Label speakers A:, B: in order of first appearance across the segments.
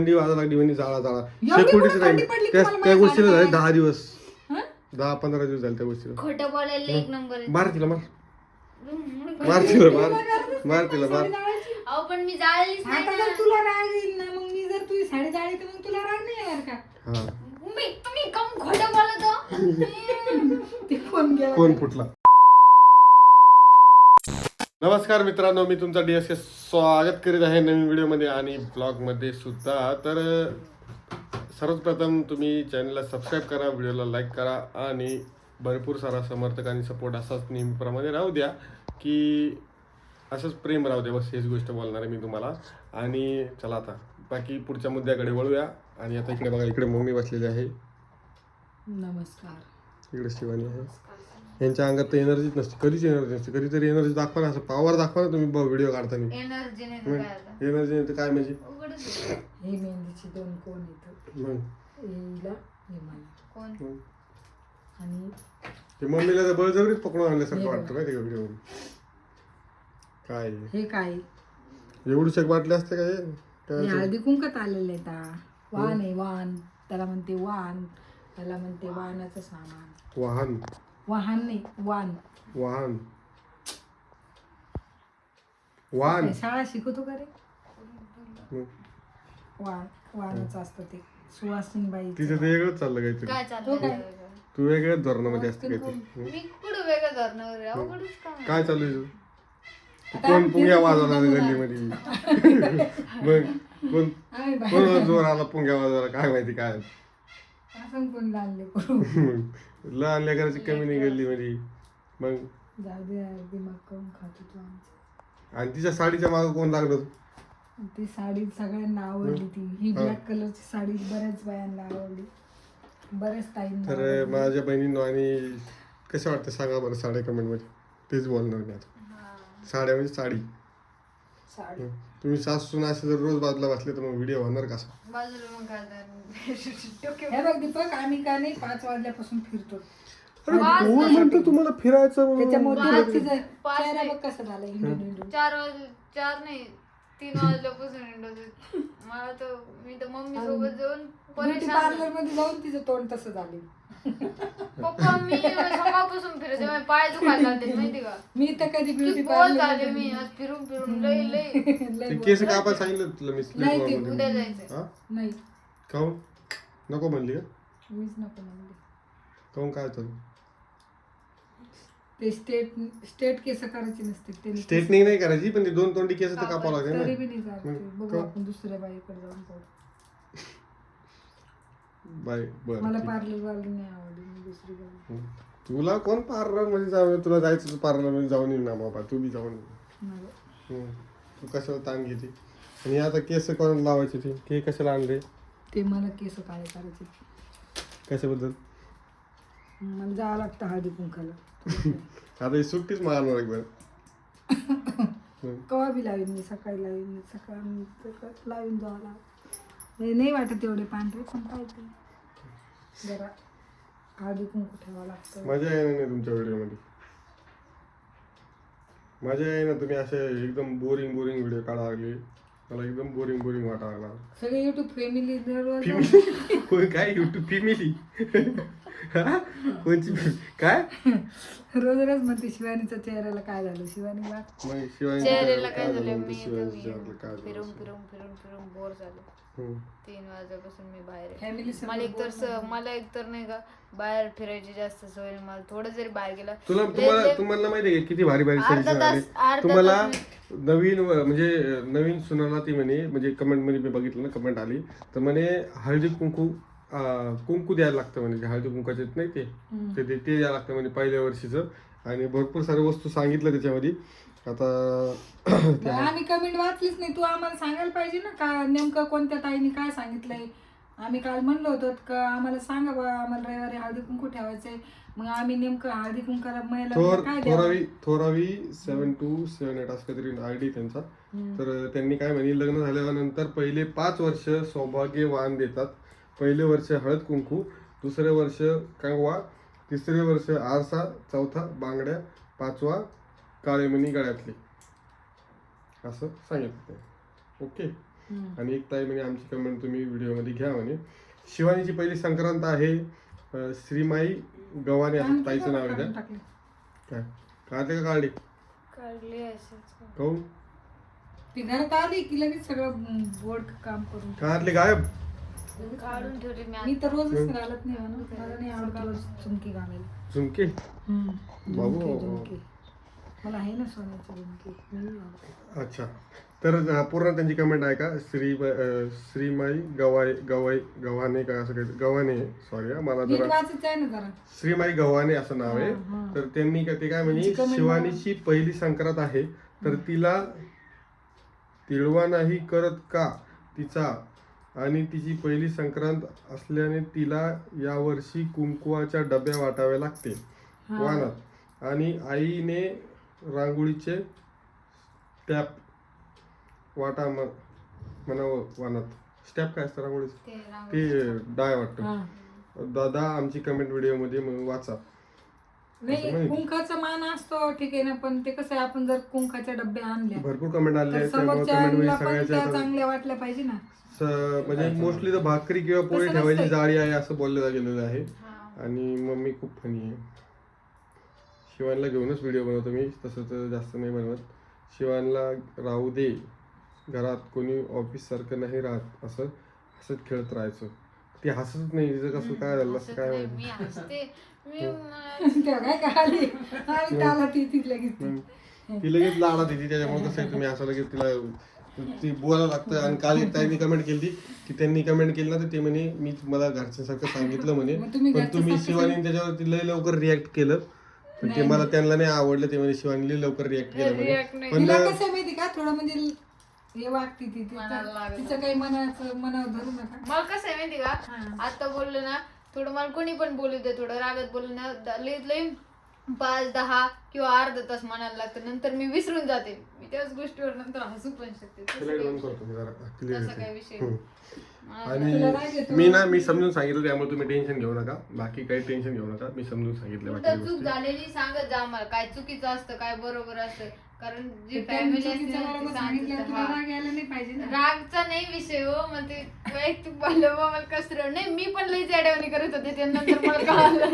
A: थंडी वाजायला लागली म्हणजे जाळा शेकोटीच राहील त्या गोष्टीला झाले 10 दिवस 10-15 दिवस झाले त्या गोष्टीला.
B: खोटं बोलायला एक नंबर
A: मार तिला
B: अहो पण मी जाळलीच नाही
C: आता जर तुला राग येईल ना मग मी जर तुझी साडी जाळली तर मग तुला राग नाही येणार का?
B: तुम्ही कम खोटं बोलतो.
C: ते फोन गेला
A: कोण फुटला. नमस्कार मित्रांनो, मी तुमचा DSK स्वागत करीत आहे नवीन व्हिडिओमध्ये आणि ब्लॉगमध्ये सुद्धा. तर सर्वप्रथम तुम्ही चॅनलला सबस्क्राईब करा, व्हिडिओला लाईक करा आणि भरपूर सारा समर्थक आणि सपोर्ट असाच नेहमीप्रमाणे राहू द्या, की असंच प्रेम राहू द्या. बस हेच गोष्ट बोलणार आहे मी तुम्हाला. आणि चला आता बाकी पुढच्या मुद्द्याकडे वळूया. आणि आता इकडे बघा, इकडे मम्मी बसलेली आहे,
C: नमस्कार.
A: इकडे शिवानी आहे. यांच्या अंगात तर एनर्जीच नसते, कधीच एनर्जी नसते. कधीतरी एनर्जी दाखवा ना, असं पॉवर दाखवा ना तुम्ही व्हिडिओ काढताना.
B: एनर्जी नाही तर काय आता?
A: एनर्जी नाही तर काय म्हणजे
C: हे मेहंदीचे दोन कोण येतात,
A: मग
C: हिला हे मला
B: कोण
C: आणि
A: ते मम्मीला तर बळजबरीच पकडून आणल्यासारखं वाटतं माहिती का व्हिडिओ. काय
C: हे काय
A: एवढू शक वाटले असते काय
C: हे हळदी कुंकत आलेले वाण आहे. वाण त्याला म्हणते वाण, त्याला म्हणते वाहनाचं सामान.
A: वाहन
C: वाहन नाही वाण.
A: वाहन वाहन
C: शाळा शिकवतो का रे?
A: मग
C: वाण वाहनाचं असतं ते. सुवासिनी बाई
A: तिचं ते वेगळंच चाललं काहीतरी.
B: काय चाललंय?
A: तू वेगळ्याच धोरणामध्ये असते काहीतरी.
B: मी कुठं वेगळं धरणार? अवघडच काम.
A: काय चालू आहे तुझं? कोण पुंग्या वाजवला गल्लीमध्ये? मग कोण कोण जोर आला पुंग्या वाजवायला काय माहिती काय.
C: असं कोण लागले करू.
A: लहान लेकराची कमी नाही गल्लीमध्ये. मग
C: जाऊ दे यार, दिमाग करून खातो तू आमचं.
A: आणि तिच्या साडीच्या मागं कोण लागलं?
C: ती साडी सगळ्यांना आवडली. ती ही ब्लॅक कलरची साडी बऱ्याच बायांना आवडली, बऱ्याच ताईंना.
A: तर माझ्या बहिणींनो आणि कसं वाटतं सांगा बरं साड्या कमेंटमध्ये. तेच बोलणार मी आता. साड्या म्हणजे साडी.
C: साडी
A: तुम्ही सासून असे जर रोज बाजूला बसले तर मग व्हिडिओ होणार कसा?
B: बाजूला मग काय तर
C: हे बघ दीपक, आम्ही का नाही 5 वाजल्यापासून फिरतो.
A: कोण म्हणतं तुम्हाला फिरायचं म्हणून?
C: त्याच्यामुळे तिचा चेहरा बघ कसा झाला हिंडून हिंडून.
B: 4 नाही 3 वाजल्यापासून हिंडत. मला तर मी तर मम्मी सोबत जाऊन
C: ब्युटी पार्लर मध्ये जाऊन तिचं तोंड तसं झालं.
B: पप्पा मी सकाळपासून फिरते, माझे पाय दुखायला लागले माहिती का.
C: मी तर कधी ब्युटी
B: बोल
C: पार्लर
B: झाले मी आज फिरून फिरून लई लई.
A: ते केस कापायला सांगितलं तुला मी
C: नाही, ते
A: स्लीप
B: उद्या जायचंय.
C: नाही,
A: काहून नको म्हणली का?
C: मीच नको म्हणले.
A: काहून काय चालू?
C: ते स्टेट केस करायचे नसते ते.
A: स्ट्रेटनिंग नाही करायची, पण ते 2 तोंडी केस तर कापावं लागेल
C: तरी
A: ना.
C: बी नाही जात ते. बघू आपण दुसऱ्या बाईकडे जाऊन पाहू.
A: बाय बरं
C: मला
A: ठीक.
C: पार्लर वाली नाही आवडली, मी दुसरी बाई.
A: तुला कोण पार्लर मध्ये जाऊ? तुला जायचं पार्लर मध्ये जाऊन येईल ना बाबा. तू बी जाऊन ये.
C: नाही.
A: तू कशाला ताण घेते? आणि आता केस कोण लावायचे ते कशाला आणले?
C: ते मला केस काळे करायचे.
A: कशाबद्दल?
C: मला जावं लागतं हळदी कुंकाला.
A: आता ही सुट्टीच मारणार एकदा.
C: कवा बी लावीन मी, सकाळी लावीन, सकाळी लावीन जावं लागतं. नाही वाटत एवढे पांढरे, पण काय ते जरा हळदी कुंकू ठेवावं लागतं.
A: मजा येणार नाही तुमच्या व्हिडिओमध्ये. मजा येईना. तुम्ही असे एकदम बोरिंग व्हिडिओ काढा लागले. मला एकदम बोरिंग वाटायला लागला.
C: सगळे युट्यूब फॅमिली
A: कोण काय युट्यूब फॅमिली? कोणची काय
C: रोज म्हणते शिवानीच्या चेहऱ्याला काय झालं. शिवानी वाट
A: मग शिवानी
B: चेहऱ्याला काय झालं? मी
A: शिवानी चेहऱ्याला काय झालं?
B: फिरून बोर झालो. 3 वाजल्यापासून मी बाहेर आहे.
C: फॅमिली
B: मला एकतर नाही का बाहेर फिरायची जास्त सवय नाही. मला थोडं जरी बाहेर गेला
A: तुम्हाला माहिती आहे किती भारी
B: अर्धा तास
A: तुम्हाला नवीन म्हणजे नवीन सुनाला ती म्हणे, म्हणजे कमेंट मध्ये मी बघितलं ना, कमेंट आली तर म्हणे हळदी कुंकू द्यायला लागतं म्हणे. हळदी कुंकाचे नाही ते द्यायला लागतं म्हणे पहिल्या वर्षीचं. आणि भरपूर साऱ्या वस्तू सांगितलं त्याच्यामध्ये. आता
C: आम्ही कमेंट वाचलीच नाही. तू आम्हाला सांगायला पाहिजे ना का नेमकं कोणत्या ताईने काय सांगितलंय. आम्ही काल म्हणलो होतो का आम्हाला सांगा बा, आम्हाला रविवारी हळदी कुंकू ठेवायचंय. मग आम्ही नेमकं हळदी कुंकाला महिला काय
A: थोरावी 7278 असं काहीतरी आयडी त्यांचा. तर त्यांनी काय म्हणे, लग्न झाल्यानंतर पहिले 5 वर्ष सौभाग्यवान देतात. पहिले वर्ष हळद कुंकू, दुसरे वर्ष कंगवा, तिसरे वर्ष आरसा, चौथा बांगड्या, 5वा काळेमणी गळ्यातली, असं सांगितलं. ओके. आणि एक ताई म्हणे आमची कमेंट तुम्ही व्हिडिओमध्ये घ्या म्हणे. शिवानीची पहिली संक्रांत आहे. श्रीमाई गव्हाणे असं ताईचं नाव आहे त्या. काय काढले का काढले
B: काढली असंच.
A: काहून
C: ती घरात आली की लगेच सगळं बोर्ड काम करून
A: काढले गायब.
B: काढून ठेवली मी
C: मी तर रोजच घालत नाही म्हणून मला नाही आवडत रोज झुमकी घालायला.
A: झुमके बाबू.
C: झुमकी मला आहे ना सोन्याची झुमकी मी नाही घालत.
A: अच्छा तर पूर्ण त्यांची कमेंट आहे का श्रीमाई गव्हाणे का असं काही गव्हाणे सॉरी मला
C: नीट
A: जरा
C: वाचायचं आहे ना जरा.
A: श्रीमाई गव्हाणे असं नाव आहे. तर त्यांनी ते काय म्हणे
C: त्यांची comment
A: शिवानीची पहिली संक्रांत आहे तर तिला तिळवा नाही करत का तिचा आणि तिची पहिली संक्रांत असल्याने तिला यावर्षी कुंकवाच्या डब्या वाटाव्या लागते वानात आणि आईने रांगोळीचे स्टॅप वाटा म्हणावं वानात. स्टॅप काय असतं रांगोळीचं ते डाय वाटतं. दादा आमची कमेंट व्हिडिओ मध्ये वाचा.
C: नाही कुंकाचा मान असतो ठीक आहे ना पण ते कसं आहे आपण जर कुंकाच्या डब्या आणल्या
A: भरपूर कमेंट आले
C: तर
A: आहेत त्यामुळे कमेंट
C: समोरच्याला पण त्या
A: सगळ्याच्या
C: चांगल्या वाटल्या पाहिजे ना.
A: म्हणजे मोस्टली तर भाकरी किंवा पोळी
C: तसं
A: ठेवायची
C: नसतंय.
A: जाळी आहे असं बोललं गेलेलं आहे. आणि मम्मी खूप फनी आहे. शिवानला घेऊनच व्हिडिओ बनवतो मी तसं तर जास्त नाही बनवत. शिवानला राहू दे घरात कोणी ऑफिस सारखं नाही राहत असं हसत खेळत राहायचं. ती हसत नाही तिचं कसं काय झालं असं काय माहिती.
B: मी हसते मी
C: तेव्हा काय खाली आणि त्याला ती लगेच
A: ती लगेच लाडा देते त्याच्यामुळे कसं आहे तुम्ही असं लगेच तिला ती बोलायला लागतं. आणि काल एक ताईंनी कमेंट केली की त्यांनी कमेंट केली ना तर ते म्हणे मी तुम्हाला घरच्यासारखं सांगितलं म्हणे
C: मग तुम्ही
A: पण तुम्ही शिवानी त्याच्यावरती लय लवकर रिॲक्ट केलं पण ते मला त्यांना नाही आवडलं. ते म्हणे शिवानी लय लवकर रिॲक्ट केलं म्हणे. पण
C: तिला कसं आहे माहिती का थोडं म्हणजे हे वागते ती
B: मनाला लागलं.
C: तिचं काही मनावर धरू नका.
B: मला कसं आहे माहिती का आता बोललो ना थोडं मला कोणी पण बोलू दे थोडं रागात बोलू ना लई 5-10 किंवा अर्धा तास म्हणायला लागतं नंतर मी विसरून जाते. मी त्याच गोष्टीवर नंतर हसू पण शकते. तसं काही विषय नाही.
A: आणि मी समजून सांगितलं त्यामुळे तुम्ही टेन्शन घेऊ नका. बाकी काही टेन्शन घेऊ नका. मी समजून सांगितलं
B: कुठं
A: बाकी
B: चूक
A: गोष्टी.
B: झालेली सांगत जा मला काय चुकीचं असतं काय बरोबर असतं कारण जी फॅमिली असते ना, ती सांगितलं,
C: तुला
B: हा.
C: राग यायला नाही पाहिजे ना.
B: रागचा नाही विषय हो मग ते वैयक्तिक बोललं मग मला कसं नाही मी पण लई अडवणी करत होते ते नंतर मला कळालं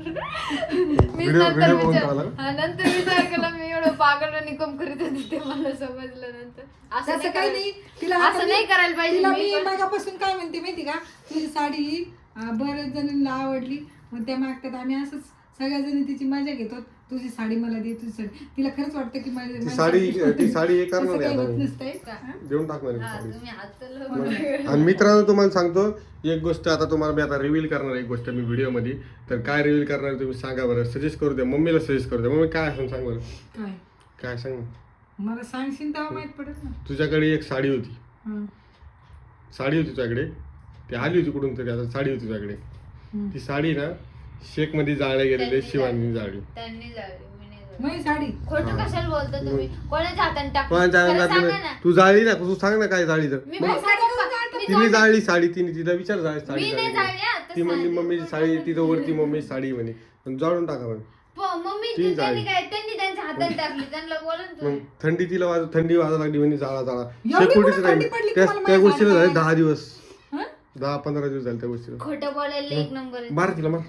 B: मी नंतर नंतर विचार केला मी एवढं पागल निकम करीत होते ते मला समजलं नंतर
C: तसं काही नाही तिला
B: असं नाही करायला पाहिजे
C: तिला
B: मी
C: मी
B: पण.
C: मागापासून काय म्हणते माहिती का तुझी साडी बऱ्याच जणांना आवडली मग त्या मागतात आम्ही असंच सगळ्या जणी तिची मजा घेतो. तुझी साडी मला दे तुझी साडी तिला खरंच वाटतं की
A: ती साडी हे करणार आहे आता मी.
C: नसतंय
A: देऊन टाकणार आहे
B: हा,
A: साडी.
B: तुम्ही हात चालवलं.
A: आणि मित्रांनो तुम्हाला सांगतो एक गोष्ट आता तुम्हाला मी आता रिव्हील करणार आहे एक गोष्ट मी व्हिडिओ मध्ये. तर काय रिव्हील करणार आहे तुम्ही सांगा बरं. सजेस्ट करू द्या मम्मीला सजेस्ट करू द्या. मम्मी काय असं सांग बरं
C: काय
A: काय सांग.
C: मला सांगशील तेव्हा माहित पडत ना.
A: तुझ्याकडे एक साडी होती
C: हं.
A: साडी होती तुझ्याकडे ती आली होती कुठून तरी आता साडी होती तुझ्याकडे. ती साडी ना शेक मध्ये जाळल्या गेलेली शिवानी जाळली.
B: त्यांनी जाळली मी नाही जाळली.
C: माझी साडी
B: खोटं कशाला बोलता तुम्ही कोणाच्या हाताने टाकलं
A: कोणाच्या
B: खरं
A: हातात
B: सांगा
A: नाही.
B: ना.
A: तू जाळली ना तू सांग ना काय जाळी तर.
B: मी
A: मग
B: माझी साडी मी
A: तिने
B: जाळली.
A: जाळली साडी तिला विचार जाळी साडी
B: मी नाही
A: जाळली
B: जाळली हा,
A: ती म्हणली मम्मीची साडी तिथं वरती मम्मी साडी म्हणे पण जाळून टाका म्हणे.
B: मम्मी
A: ती
B: त्यांनी
A: जाळली.
B: काय त्यांनी त्यांच्या हातात टाकली त्यांना बोला ना
A: मग
B: तुम्ही.
A: थंडी तिला थंडी वाजायला लागली म्हणे जाळा जाळा
C: एवढी
A: शेकोटीच
C: कुठं
A: नाही
C: थंडी पडली
A: त्या
C: तुम्हाला
A: त्या
C: माझ्या
A: गोष्टीला झाले
C: साडीला?
A: 10 दिवस
C: हं?
A: 10-15 दिवस झाले त्या गोष्टीला.
B: खोटं बोलायला एक नंबर आहे.
A: मार तिला मार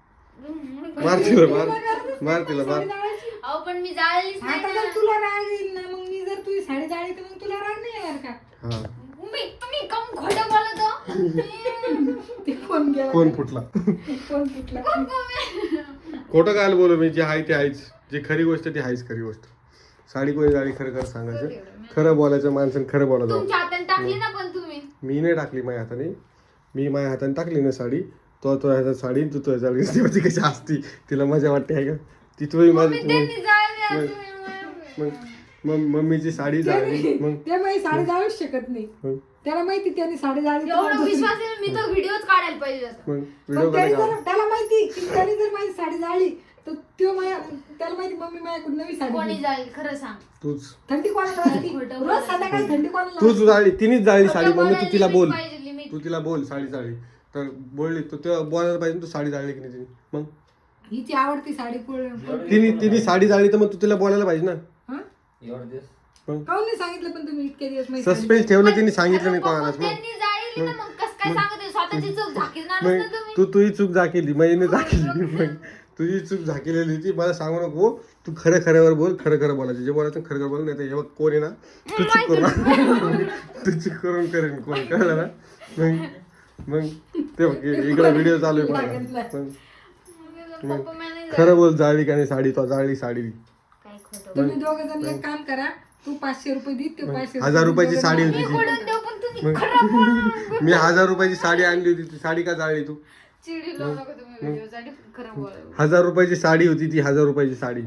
A: मार तिला मार तिला मार.
B: अहो पण मी जाळलीच नाही
C: आता
B: ना.
C: जर तुला राग येईल ना मग मी जर तुझी साडी जाळली तर मग तुला राग नाही येणार का.
A: हा
B: तुम्ही कम खोटं बोलत हो.
C: ते कोण गेला
A: कोण फुटला
C: कोण फुटला
A: खोटं काय बोलू मी जे आहे ते आहेच. जे खरी गोष्ट ती आहेच खरी गोष्ट. साडी कोणी जाळी खरं खरं सांगायचं खरं बोलायचं माणसाने खरं बोलायचं.
B: तुमच्या हाताने टाकली ना पण तुम्ही
A: मी नाही टाकली माझ्या हाताने. मी माझ्या हाताने टाकली ना साडी तो हातात साडी तू तुझ्या जाळी ती कशी असती तिला मजा वाटते आहे का ती तुझी माझी
B: त्यांनी जाळली आणि तुम्ही
A: मग मम्मीची साडी जाळली मग
C: ते माझी साडी जाळूच शकत नाही.
A: मग
C: त्याला माहिती त्याने साडी जाळली तर
B: एवढं
C: मला
B: विश्वास आहे मी तो व्हिडिओच काढायला पाहिजे होता.
A: मग
C: पण
A: व्हिडिओ
C: त्याने
A: काढा.
C: जर त्याला माहिती की त्याने जर माझी साडी जाळली तर त्याला माहिती मम्मी माझ्याकडून नवी साडी
B: कोणी
C: घेईल.
B: जाळली खरं सांग.
A: तूच
C: थंडी कोणाला वाजती?
B: खोटं
C: रोज संध्याकाळी थंडी कोणाला
A: तूच जाळली तिनेच जाळली साडी मम्मी तू तिला बोल
B: पाहिजे limit.
A: तू तिला बोल साडी जाळली तर बोलली तू तेव्हा बोलायला पाहिजे ना, तू साडी जाळली की नाही तिने. मग
C: हिची आवडती साडी
A: तिने साडी जाळली तर मग तू तिला बोलायला पाहिजे ना.
C: हं?
A: मग
C: काऊन नाही सांगितलं पण तुम्ही इतके दिवस माहिती
A: सस्पेन्स ठेवलं त्यांनी सांगितलं नाही
B: अरे
A: कोणालाच.
B: बाबा, त्यांनी जाळली ना, मग कसं काय सांगत आहे? स्वतःची चूक झाकीणार
A: मग
B: ना तुम्ही.
A: तुझी चूक झाकेली महिने झाकेली. मग तुझी चूक झाकेलेली ती मला सांगू नको. तू खरं खऱ्यावर बोल, खरं खरं बोलायचं, जे बोलायचं खरं खरं बोल. नाही तर हे बघ कोण आहे ना तू चूक करून तू चूक करून करेन कोण, कळलं ना. मग ते बघ इकडे व्हिडिओ चालू आहे माझा. मग
B: पप्पा मला नाही
A: खरं बोल, जाळली का नाही साडी, तो जाळली साडी.
B: काय खोटं.
C: तुम्ही दोघं जण एक काम करा, तू 500 रुपये दे, ते 500
A: 1000 रुपयाची साडी होती
B: मी
A: ती.
B: खोडून देऊ, पण तुम्ही खरं बोला.
A: मी 1000 रुपयाची साडी आणली होती, ती साडी का जाळली तू?
B: चिडी लावू नका तुम्ही व्हिडिओसाठी, खरं बोला.
A: 1000 रुपयाची साडी होती ती, 1000 रुपयाची साडी.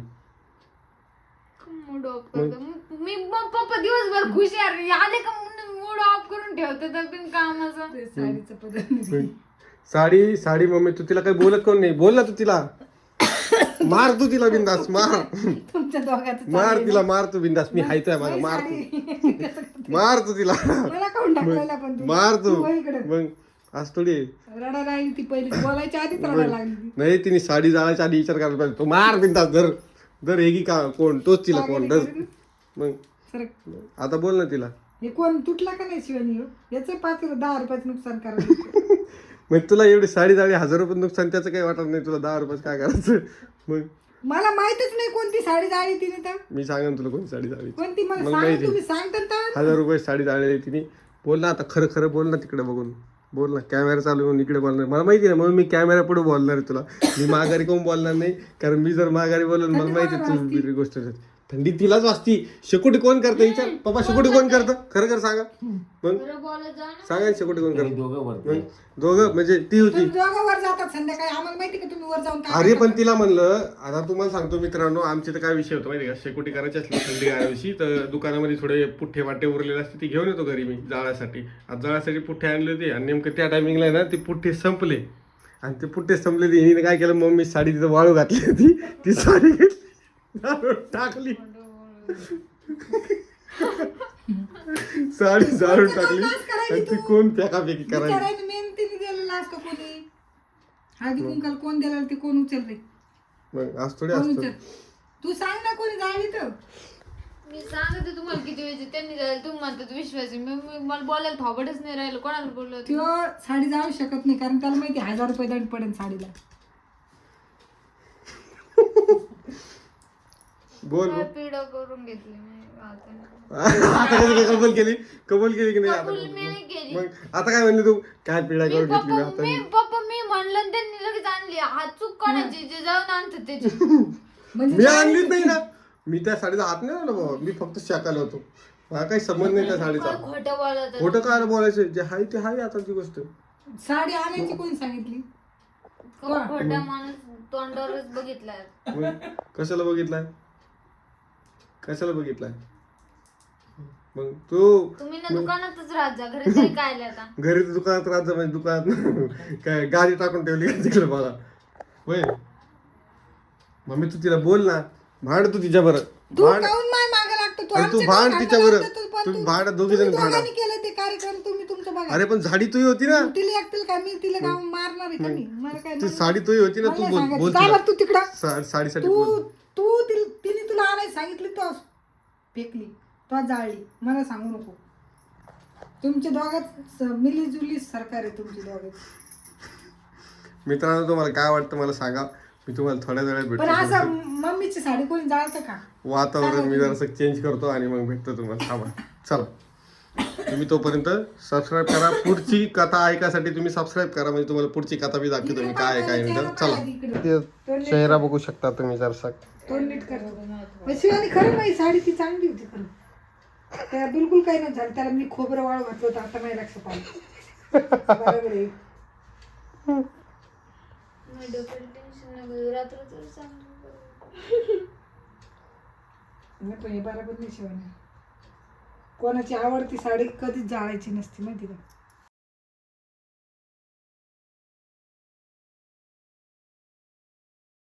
B: मूड ऑफ करतो मी. मग पप्पा दिवसभर खुश आहे, आले का मूड ऑफ करून ठेवतो तर बिन कामाचं.
C: ते साडीचं पदर
A: साडी साडी मम्मी तू तिला काही बोलत कोण नाही, बोल ना तू तिला. मार तू तिला बिंदास, मार
C: तुमच्या दोघांचं
A: मार तिला, मार तू बिंदास. मी हायतोय माझा, मार तू, मार तू तिला,
C: मला काऊन टाकलेला पण तू
A: मार तू.
C: तू इकडे
A: मग आज थोडी
C: रडा लागली ती पहिली बोलायच्या आधीच रडा लागली ती.
A: नाही, तिने साडी जाळायच्या आधी विचार करायला पाहिजे. तो मार बिंदास, धर धर हेगी का कोण, तोच तिला कोण धर. मग
C: सर
A: आता बोल ना तिला.
C: हे कोण तुटला का नाही शिवानी याचं 10 रुपयाचं नुकसान करायचं.
A: मग तुला एवढी साडी जाळी 1000 रुपये नुकसान, त्याचं काही वाटत नाही, तुला 10 रुपयाचं काय करायचं. मग
C: मला माहितच नाही कोणती साडी जाळली तिने तर.
A: मी सांगेन तुला कोणती साडी जाळी.
C: कोणती मला
A: मला
C: सांग,
A: माहिती.
C: तुम्ही सांगता तर.
A: 1000 रुपये साडी जाळलेली तिने. बोल ना आता, खरं खरं बोल ना, तिकडे बघून बोल ना. कॅमेरा चालू आहे इकडे बोलणार, मला माहिती आहे म्हणून मी कॅमेरा पुढे बोलणार आहे तुला. मी माघारी कोण बोलणार नाही, कारण मी जर माघारी बोललो मला माहिती आहे तू वेगळी गोष्ट. थंडी तिलाच वाजती. शेकोटी कोण करतं विचार, पप्पा शेकोटी कोण करतं, खरं खरं सांगा. मग
B: खरं बोलत जा ना.
A: सांगा शेकोटी कोण करतं.
D: दोघं
A: दोघं म्हणजे ती होती.
C: तुम्ही दोघं वर जातात संध्याकाळी, आम्हाला माहिती का तुम्ही वर जाऊन काय
A: अरे पण तिला म्हणलं, आता तुम्हाला सांगतो मित्रांनो, आमचे तर काय विषय होतो माहिती का, शेकोटी करायची असली थंडी गाण्याविषयी तर दुकानामध्ये थोडे पुठ्ठे वाटे उरलेले असते, ती घेऊन येतो घरी मी जाळ्यासाठी. आज जाळ्यासाठी पुठ्ठे आणले होते आणि नेमकं त्या टायमिंगला ना ते पुठ्ठे संपले. आणि ते पुठ्ठे संपले, हिने काय केलं, मम्मी साडी तिथं वाळू घातली होती, ती साडी घेतली जाळून टाकली. साडी जाळून टाकली आणि ती कोण फेकाफेकी करायची.
C: विचारायला मेहनतीने दिलेला असतो कोणी. हळदी कुंकाल कोण दिला ते कोण उचलते,
A: मग आज थोडी
C: कोण
A: असतं.
C: उचल. तू सांग ना कोणी जाळली तर.
B: मी सांगते तुम्हाला किती वेळेचे त्यांनी जायला, तुम्ही म्हणतात विश्वास आहे. मला बोलायला थोबडच नाही राहिलं, कोणाला बोललो होतं?
C: तो साडी जाळू शकत नाही, कारण त्याला माहिती 1000 रुपये दंड पडेल साडीला.
A: बोल
B: काय पिढा करून घेतली मी आता.
A: आता कसं काय कबूल केली की नाही आता?
B: कबूल मी नाही केली.
A: मग आता काय म्हणली तू, काय पिढा करून घेतली मी आता?
B: पप्पा मी म्हणलं आणि त्यांनी लगेच आणली. हात चूक कोणाची, जे जाऊन आणतात त्याची.
C: म्हणजे
A: मी आणलीच नाही ना, मी त्या साडीचा हात नाही लावला बाबा, मी फक्त शाकाला होतो. मला काही संबंध नाही त्या साडीचा.
B: काय खोटं बोलत
A: खोटं काय बोलायचं, जे हाय ते हाय आता ती गोष्ट.
C: साडी आणायची कोणी सांगितली.
B: खोटा माणूस तोंडावरच बघितलाय.
A: मग कशाला बघितलाय, कशाला बघितलाय. मग तू
B: तुम्ही ना दुकानातच राहत जा, घरी तरी काय आले आता.
A: घरी तर दुकानात राहत जा, म्हणजे दुकानात काय गाडी टाकून ठेवली का तिकडे मला. होय मम्मी तू तिला बोल ना, भांड तू तिच्या बरं,
C: तू
A: भांड.
C: काऊन माय मागे लागतो. तू
A: आणि तू
C: आमच्या
A: भांड
C: घरी
A: तिच्या
C: भांडण
A: बरं,
C: लागतो, पण
A: तुम्ही भांड दोघी जण
C: तुम्ही
A: भांडा.
C: दोघांनी केलं ते कार्यक्रम, तुम्ही तुमचं बघा.
A: अरे पण झाडी तुही होती ना,
C: तिला एकटील का मी तिला गाव मारणार आहे का मी. मला काय
A: ती
C: नाही.
A: साडी तुही होती ना, तू
C: मला
A: बोल
C: सांगायचं.
A: बोल
C: जा
A: तिला.
C: बरं तू तिकडं.
A: साडीसाठी
C: तू
A: बोल.
C: तू तिने तुला आणायला सांगितली, तो फेकली, तो जाळली. मला सांगू नको. तुमच्या दोघात मिलीजुली सरकार आहे तुमची दोघात.
A: मित्रांनो तुम्हाला काय वाटतं मला सांगा, मी तुम्हाला थोड्या वेळात
C: पण
A: भेटतो.
C: असं मम्मीची साडी कोणी जाळतं का.
A: वातावरण मी जरासं चेंज करतो आणि मग भेटतो तुम्हाला. थांबा चला, तुम्ही तोपर्यंत सबस्क्राईब करा. पुढची कथा ऐकायसाठी तुम्ही सबस्क्राईब करा, म्हणजे तुम्हाला पुढची कथा बी दाखवतो मी काय आहे काय नाही. तर चला, चेहरा बघू शकता तुम्ही जरासा.
C: तोंड नीट कर. शिवानी खरं नाही साडी ती चांगली होती खरं. त्याला बिलकुल काही नाही झालं. त्याला मी खोबरं वाळू घातलं होतं, आता नाही लक्षात आलं. बरोबर आहे.
B: मी डोक्याला टेन्शन नको, रात्रभर सांगू.
C: नाही पण हे बरोबर नाही शिवानी. कोणाची आवडती साडी कधीच जाळायची नसती माहिती का.